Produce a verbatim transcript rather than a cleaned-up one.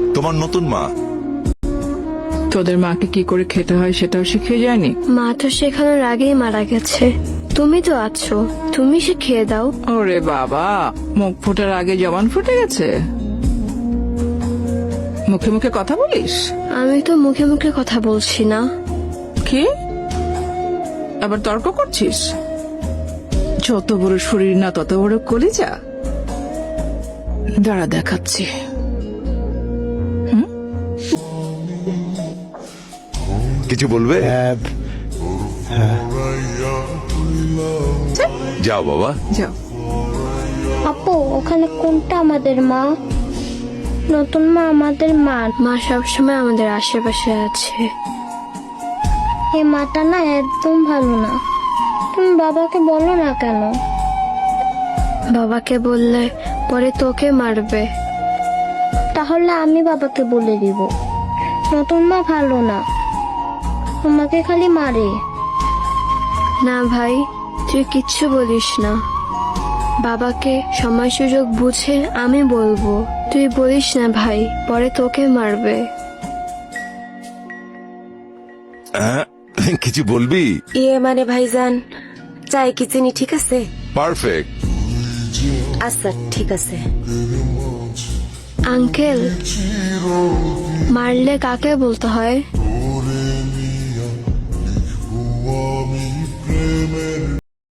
তোমার নতুন মা। তোদের মাকে কি করে খেতে হয় সেটাও শিখিয়ে যায়নি? মা তো শেখানোর আগেই মারা গেছে, তুমি তো আছো, তুমি শিখিয়ে দাও। ওরে বাবা, মুখ ফোটার আগে জবান ফুটে গেছে। মুখে মুখে কথা বলিস? আমি তো মুখে মুখে কথা বলছি না। কি আবার তর্ক করছিস? যত বড় শরীর না তত বড় কলিজা। দাঁড়া দেখাচ্ছি। কিছু বলবে? যাও বাবা, যাও। আপু, ওখানে কোনটা আমাদের মা? নতুন মা আমাদের মা। মা সবসময় আমাদের আশেপাশে আছে। এই মাটা না একদম ভালো না। তুমি বাবাকে বলো না কেন? বাবাকে বললে পরে তোকে মারবে। তাহলে আমি বাবাকে বলে দিব। নতুন মা ভালো না, তোমাকে খালি মারে। না ভাই, তুই কিচ্ছু বলিস না। বাবাকে সময় সুযোগ বুঝে আমি বলবো। তুই বলিস না ভাই, পরে তোকে মারবে। হ্যাঁ, কিছু বলবি? ইয়ে মানে ভাইজান, চাই কি চিনি ঠিক আছে? পারফেক্ট। আচ্ছা ঠিক আছে। আঙ্কেল, মারলে কাকে বলতে হয়?